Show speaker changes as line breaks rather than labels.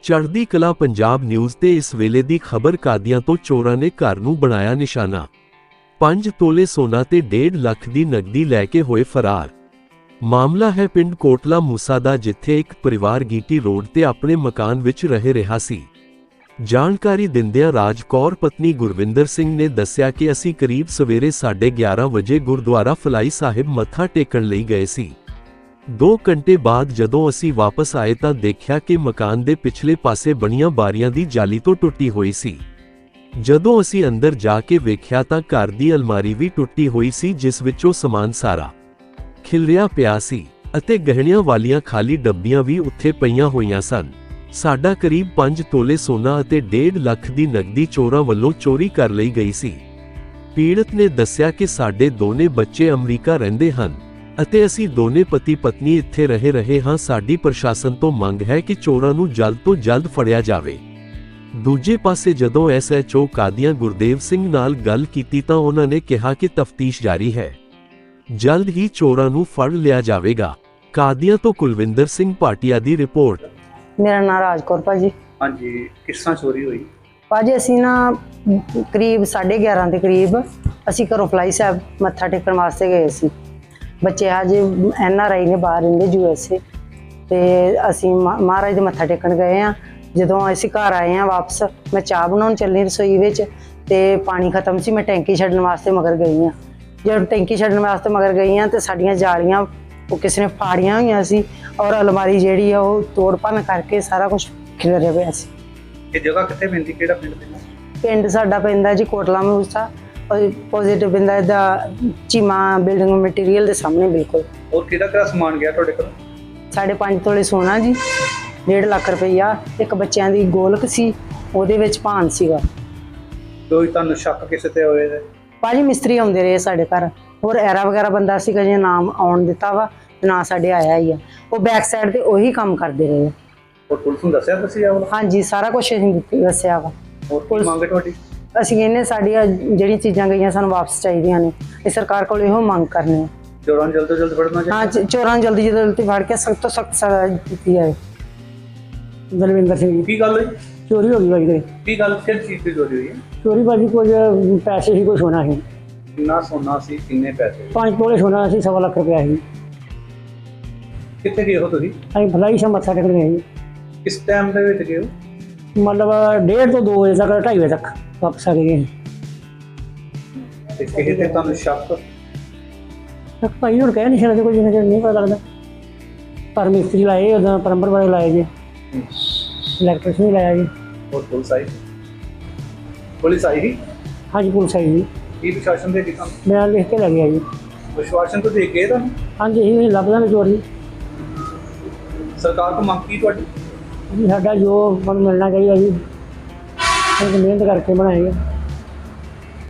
ਚੜ੍ਹਦੀ ਕਲਾ ਪੰਜਾਬ ਨਿਊਜ਼ ਤੇ ਇਸ ਵੇਲੇ ਦੀ ਖਬਰ ਕਾਦੀਆਂ ਤੋਂ ਚੋਰਾਂ ਨੇ ਘਰ ਨੂੰ ਬਣਾਇਆ ਨਿਸ਼ਾਨਾ। 5 ਤੋਲੇ ਸੋਨਾ ਤੇ 1.5 ਲੱਖ ਦੀ ਨਕਦੀ ਲੈ ਕੇ ਹੋਏ ਫਰਾਰ। ਮਾਮਲਾ ਹੈ ਪਿੰਡ ਕੋਟਲਾ ਮੂਸਾ ਦਾ, ਜਿੱਥੇ ਇੱਕ ਪਰਿਵਾਰ ਗੀਟੀ ਰੋਡ ਤੇ ਆਪਣੇ ਮਕਾਨ ਵਿੱਚ ਰਹਿ ਰਿਹਾ ਸੀ। ਜਾਣਕਾਰੀ ਦਿੰਦਿਆਂ ਰਾਜ ਕੌਰ ਪਤਨੀ ਗੁਰਵਿੰਦਰ ਸਿੰਘ ਨੇ ਦੱਸਿਆ ਕਿ ਅਸੀਂ ਕਰੀਬ ਸਵੇਰੇ 11:30 ਵਜੇ ਗੁਰਦੁਆਰਾ ਫਲਾਈ ਸਾਹਿਬ ਮੱਥਾ ਟੇਕਣ ਲਈ ਗਏ ਸੀ। 2 ਘੰਟੇ ਬਾਅਦ ਜਦੋਂ ਅਸੀਂ ਵਾਪਸ ਆਏ ਤਾਂ ਦੇਖਿਆ ਕਿ ਮਕਾਨ ਦੇ ਪਿਛਲੇ ਪਾਸੇ ਬਣੀਆਂ ਬਾਰੀਆਂ ਦੀ ਜਾਲੀ ਤੋਂ ਟੁੱਟੀ ਹੋਈ ਸੀ। ਜਦੋਂ ਅਸੀਂ ਅੰਦਰ ਜਾ ਕੇ ਵੇਖਿਆ ਤਾਂ ਘਰ ਦੀ ਅਲਮਾਰੀ ਵੀ ਟੁੱਟੀ ਹੋਈ ਸੀ, ਜਿਸ ਵਿੱਚੋਂ ਸਮਾਨ ਸਾਰਾ ਖਿਲਰਿਆ ਪਿਆ ਸੀ ਅਤੇ ਗਹਿਣਿਆਂ ਵਾਲੀਆਂ ਖਾਲੀ ਡੱਬੀਆਂ ਵੀ ਉੱਥੇ ਪਈਆਂ ਹੋਈਆਂ ਸਨ। ਸਾਡਾ ਕਰੀਬ 5 ਤੋਲੇ ਸੋਨਾ ਅਤੇ 1.5 ਲੱਖ ਦੀ ਨਕਦੀ ਚੋਰਾਂ ਵੱਲੋਂ ਚੋਰੀ ਕਰ ਲਈ ਗਈ ਸੀ। ਪੀੜਤ ਨੇ ਦੱਸਿਆ ਕਿ ਸਾਡੇ ਦੋਨੇ ਬੱਚੇ ਅਮਰੀਕਾ ਰਹਿੰਦੇ ਹਨ ਅਤੇ ਅਸੀਂ ਦੋਨੇ ਪਤੀ ਪਤਨੀ ਇੱਥੇ ਰਹਿ ਰਹੇ ਹਾਂ। ਸਾਡੀ ਪ੍ਰਸ਼ਾਸਨ ਤੋਂ ਮੰਗ ਹੈ ਕਿ ਚੋਰਾਂ ਨੂੰ ਜਲਦ ਤੋਂ ਜਲਦ ਫੜਿਆ ਜਾਵੇ। ਦੂਜੇ ਪਾਸੇ ਜਦੋਂ SHO ਕਾਦੀਆਂ ਗੁਰਦੇਵ ਸਿੰਘ ਨਾਲ ਗੱਲ ਕੀਤੀ ਤਾਂ ਉਹਨਾਂ ਨੇ ਕਿਹਾ ਕਿ ਤਫਤੀਸ਼ ਜਾਰੀ ਹੈ, ਜਲਦ ਹੀ ਚੋਰਾਂ ਨੂੰ ਫੜ ਲਿਆ ਜਾਵੇਗਾ। ਕਾਦੀਆਂ ਤੋਂ ਕੁਲਵਿੰਦਰ ਸਿੰਘ ਭਾਟੀਆ ਦੀ ਰਿਪੋਰਟ।
मेरा नाम राजकौर भाजी।
हाँ जी, किस तरह चोरी हुई?
भाजी असी ना करीब 11:30 के करीब असी घरों फलाई साहब मत्था टेकन वास्ते गए सी। बच्चे आज NRI ने बाहर रहिंदे USA ते असी महाराज दे मत्था टेकन गए हाँ। जदों असी घर आए हैं वापस, मैं चाह बनाउण चली रसोई विच ते पानी खत्म सी। मैं टैंकी छड्डण वास्ते मगर गई हाँ। जब टैंकी छड्डण वास्ते मगर गई हाँ तो साडियां जालियां वो किसी ने फाड़ियां हुई सी और अलमारी जिहड़ी है वो तोड़ भन्न करके सारा कुछ खिलरिया पिया सी।
ये जगह कित्थे पैंदी, किहड़ा पिंड पैंदा?
पिंड साडा पैंदा जी कोटला मूसा, पॉजिटिव पैंदा दा चीमा बिल्डिंग मटीरियल दे सामने बिल्कुल।
और किहड़ा समान गया तुहाडे कोल?
5.5 ਤੋਲੇ सोना जी, 1.5 ਲੱਖ रुपया, एक बच्चों की गोलक सी, ਉਹਦੇ ਵਿੱਚ ਭਾਨ ਸੀਗਾ।
ਕੋਈ ਤੁਹਾਨੂੰ ਸ਼ੱਕ ਕਿਸੇ ਤੇ ਹੋਏ?
ਭਾਜੀ ਮਿਸਤਰੀ ਆਉਂਦੇ ਰਹੇ ਸਾਡੇ ਘਰ, ਹੋਰ ਐਰਾ ਵਗੈਰਾ ਬੰਦਾ ਸੀਗਾ ਜੇ ਨਾਮ ਆਉਣ ਦਿੱਤਾ ਵਾ ਨਾ ਸਾਡੇ ਆਇਆ ਹੀ ਆ। ਉਹ ਬੈਕ ਸਾਈਡ ਤੇ ਉਹੀ ਕੰਮ ਕਰਦੇ ਰਹੇ।
और पुलिस ਨੂੰ ਦੱਸਿਆ ਤੁਸੀਂ ਆ?
ਹਾਂਜੀ ਸਾਰਾ ਕੁਝ ਅਸੀਂ ਦੱਸਿਆ ਵਾ।
ਹੋਰ ਕੀ ਮੰਗ ਹੈ ਤੁਹਾਡੀ?
ਅਸੀਂ ਕਹਿੰਦੇ ਸਾਡੀਆਂ ਜਿਹੜੀਆਂ ਚੀਜ਼ਾਂ ਗਈਆਂ ਸਾਨੂੰ ਵਾਪਸ ਚਾਹੀਦੀਆਂ ਨੇ। ਇਹ ਸਰਕਾਰ ਕੋਲ ਇਹੋ ਮੰਗ ਕਰਨੀ ਹੈ।
ਚੋਰਾਂ ਨੂੰ ਜਲਦ ਤੋਂ ਜਲਦ ਫੜਨਾ ਚਾਹੀਦਾ।
ਹਾਂ, ਚੋਰਾਂ ਨੂੰ ਜਲਦੀ ਤੋਂ ਜਲਦੀ ਫੜ ਕੇ ਸਖਤ ਤੋਂ ਸਖਤ ਸਜ਼ਾ ਦਿੱਤੀ ਜਾਏ। ਬਲਵਿੰਦਰ ਸਿੰਘ।
ਕੀ ਗੱਲ ਹੋਈ?
ਚੋਰੀ ਹੋ ਗਈ ਭਾਜੀ ਘਰੇ।
ਕੀ ਗੱਲ, ਕਿਹੜੀ ਚੀਜ਼ ਦੀ ਚੋਰੀ ਹੋਈ ਹੈ?
ਚੋਰੀ ਭਾਜੀ ਕੁਝ ਪੈਸੇ ਹੀ ਕੁਝ ਸੋਨਾ ਸੀ।
ਕਿੰਨਾ ਸੋਨਾ ਸੀ, ਕਿੰਨੇ ਪੈਸੇ?
5 ਤੋਲੇ ਸੋਨਾ ਸੀ, 1.25 ਲੱਖ ਰੁਪਇਆ ਸੀ।
ਕਿੱਥੇ ਗਏ ਹੋ ਤੁਸੀਂ?
ਅਸੀਂ ਫਲਾਈ ਸਾਹਿਬ ਮੱਥਾ ਟੇਕਣ ਗਏ ਜੀ।
ਕਿਸ ਟਾਈਮ ਦੇ ਵਿੱਚ ਗਏ ਹੋ?
ਮਤਲਬ 1:30 ਤੋਂ 2 ਵਜੇ ਤੱਕ, 2:30 ਵਜੇ ਤੱਕ ਵਾਪਸ ਆ ਗਏ।
ਤੇ ਕਿਸੇ ਤੇ ਤੁਹਾਨੂੰ ਸ਼ੱਕ?
ਭਾਈ ਹੁਣ ਕਹਿ ਨਹੀਂ ਸਕਦੇ, ਕੋਈ ਜਿੰਨਾ ਚਿਰ ਨਹੀਂ ਪਤਾ ਲੱਗਦਾ। ਪਰ ਮਿਸਤਰੀ ਲਾਏ, ਉਦੋਂ ਪਲੰਬਰ ਵਾਲੇ ਲਾਏ ਜੀ, ਇਲੈਕਟ੍ਰੀਸ਼ਨ ਵੀ ਲਾਇਆ ਜੀ।
ਹੋਰ ਪੁਲਿਸ ਆਈ? ਪੁਲਿਸ ਆਈ ਸੀ?
ਹਾਂਜੀ ਪੁਲਿਸ ਆਈ ਜੀ।
ਕੀ ਪ੍ਰਸ਼ਾਸਨ ਦੇ ਕੰਮ?
ਬਿਆਨ ਲਿਖ ਕੇ ਲੈ ਗਿਆ ਜੀ।
ਵਿਸ਼ਵਾਸਨ ਤੋਂ ਦੇ ਕੇ ਤੁਹਾਨੂੰ?
ਹਾਂਜੀ ਅਸੀਂ ਲੱਭਦਾ ਨਹੀਂ ਚੋਰੀ।
ਸਰਕਾਰ ਤੋਂ ਮੰਗ ਕੀ ਤੁਹਾਡੀ?
ਜੀ ਸਾਡਾ ਜੋ ਸਾਨੂੰ ਮਿਲਣਾ ਚਾਹੀਦਾ ਜੀ, ਅਸੀਂ ਮਿਹਨਤ ਕਰਕੇ ਬਣਾਏਗਾ।